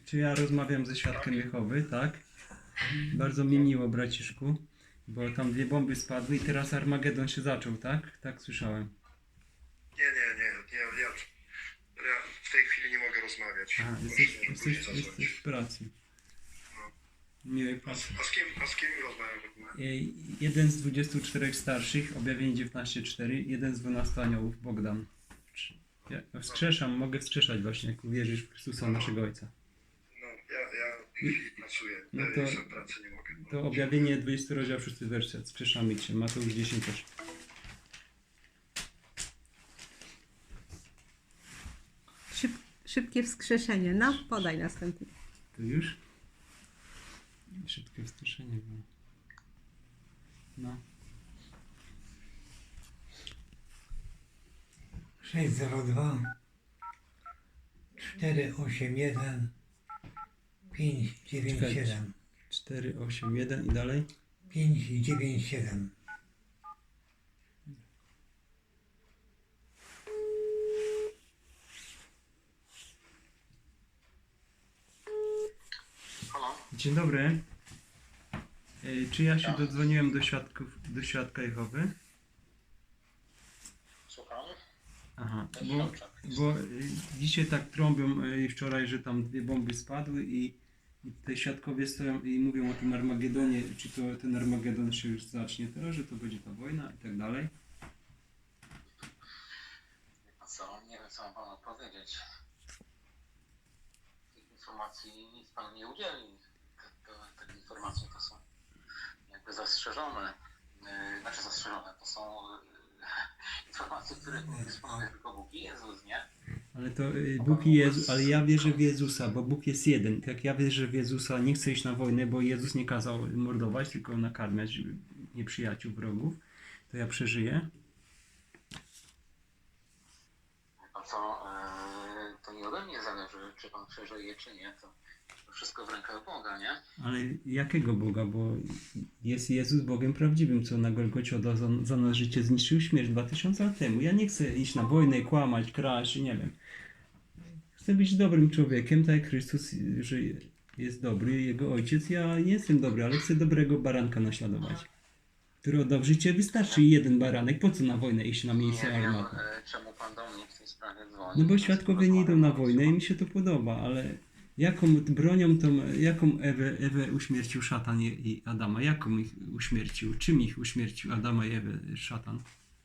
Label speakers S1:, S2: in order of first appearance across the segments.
S1: czy ja rozmawiam ze świadkiem Jehowy, tak? Bardzo mi miło, braciszku, bo tam 2 bomby spadły i teraz Armagedon się zaczął, tak? Tak słyszałem.
S2: Nie. Ja w tej chwili nie mogę rozmawiać.
S1: Aha,
S2: Proszę później zadzwonić.
S1: jesteś w pracy. Miłej pracy.
S2: A z kim rozmawiam w ogóle?
S1: Jeden z 24 starszych, objawienie 19:4, jeden z 12 aniołów, Bogdan. Ja wskrzeszam, mogę wskrzeszać właśnie, jak uwierzysz w Chrystusa, naszego Ojca.
S2: No, ja w tej chwili pracuję.
S1: No
S2: Ja
S1: to-
S2: jestem w pracy, nie mogę.
S1: To objawienie 20 rozdział 6 werset, wskrzeszamy Cię, Mateusz 10:8.
S3: Szybkie wskrzeszenie. No, podaj następny.
S1: To już? Szybkie wskrzeszenie było. No.
S4: 602 481 597
S1: 4, 8, 1 i dalej.
S4: 597.
S2: Halo?
S1: Dzień dobry. Czy ja się dodzwoniłem do świadka Jehowy?
S2: Słucham?
S1: Aha, bo dzisiaj tak trąbią i wczoraj, że tam 2 bomby spadły i te świadkowie stoją i mówią o tym Armagedonie, czy to ten Armagedon się już zacznie teraz, że to będzie ta wojna i tak dalej.
S5: A co? Nie wiem, co mam panu powiedzieć. Tych informacji nic pan nie udzieli. Te informacje to są jakby zastrzeżone. Znaczy zastrzeżone, to są informacje, które dysponuje tylko Bóg i Jezus, nie?
S1: Ale to Bóg i Jezus, ale ja wierzę w Jezusa, bo Bóg jest jeden. Jak ja wierzę w Jezusa, nie chcę iść na wojnę, bo Jezus nie kazał mordować, tylko nakarmiać nieprzyjaciół, wrogów, to ja przeżyję.
S5: A co? To nie ode mnie zależy, czy pan przeżyje, czy nie. To wszystko w rękach Boga, nie?
S1: Ale jakiego Boga? Bo jest Jezus Bogiem prawdziwym, co na Golgocie oddał za nas życie, zniszczył śmierć 2000 lat temu. Ja nie chcę iść na wojnę, kłamać, kraść, nie wiem. Chcę być dobrym człowiekiem, tak jak Chrystus, że jest dobry, Jego Ojciec. Ja nie jestem dobry, ale chcę dobrego baranka naśladować, który oddał życie. Wystarczy jeden baranek. Po co na wojnę iść na miejsce
S5: Nie wiem,
S1: armaty?
S5: czemu pan do mnie w tej sprawie dzwoni.
S1: No bo świadkowie nie idą na wojnę i mi się to podoba, ale jaką bronią tą, jaką Ewę uśmiercił szatan i Adama? Jaką ich uśmiercił? Czym ich uśmiercił Adama i Ewę szatan?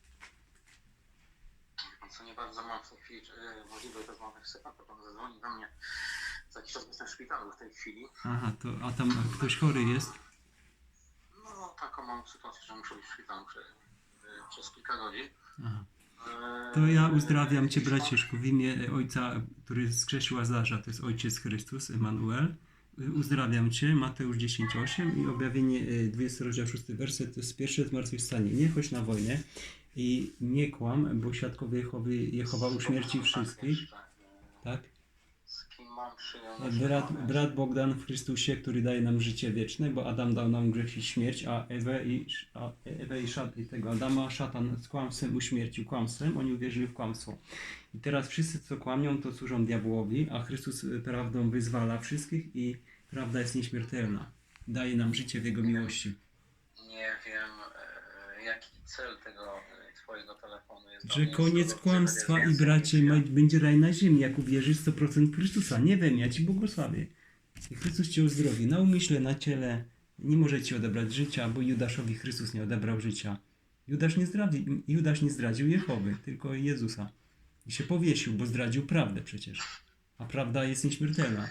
S5: Co nie bardzo mam w tej chwili możliwość rozmowy, chce pan, to pan zadzwoni do mnie. Za jakiś czas jestem w szpitalu w tej chwili.
S1: Aha, a tam ktoś chory jest?
S5: No taką mam sytuację, że muszę być w szpitalu przez kilka godzin.
S1: Aha. To ja uzdrawiam Cię, braciszku, w imię Ojca, który skrzesił Łazarza, to jest Ojciec Chrystus, Emanuel. Uzdrawiam Cię, Mateusz 10:8 i objawienie 20 rozdział 6 werset, to jest pierwsze zmartwychwstanie. Nie chodź na wojnę i nie kłam, bo świadkowie Jehowa uśmierci wszystkich. Tak?
S5: Z kim mam przyjąć?
S1: Brat Bogdan w Chrystusie, który daje nam życie wieczne, bo Adam dał nam grzech i śmierć, a Ewę i tego Adama szatan z kłamstwem uśmiercił kłamstwem, oni uwierzyli w kłamstwo. I teraz wszyscy, co kłamią, to służą diabłowi, a Chrystus prawdą wyzwala wszystkich i prawda jest nieśmiertelna. Daje nam życie w Jego miłości.
S5: Nie wiem, jaki cel tego twojego telefonu jest.
S1: Że koniec kłamstwa i bracie, będzie raj na ziemi, jak uwierzysz 100% w Chrystusa. Nie wiem, ja Ci błogosławię. I Chrystus Cię uzdrowi na umyśle, na ciele. Nie może Ci odebrać życia, bo Judaszowi Chrystus nie odebrał życia. Judasz nie zdradził Jehowy, tylko Jezusa. I się powiesił, bo zdradził prawdę przecież. A prawda jest nieśmiertelna.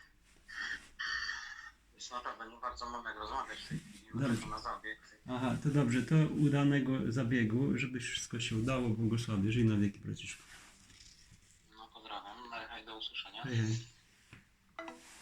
S5: Jest naprawdę nie bardzo mam jak rozmawiać w tej chwili.
S1: Dobrze.
S5: Uderzę na zabieg.
S1: Aha, to dobrze, to udanego zabiegu, żeby wszystko się udało, błogosławię. Żyj na wieki, braciszku.
S5: No pozdrawiam, do usłyszenia.
S1: Hej, hej.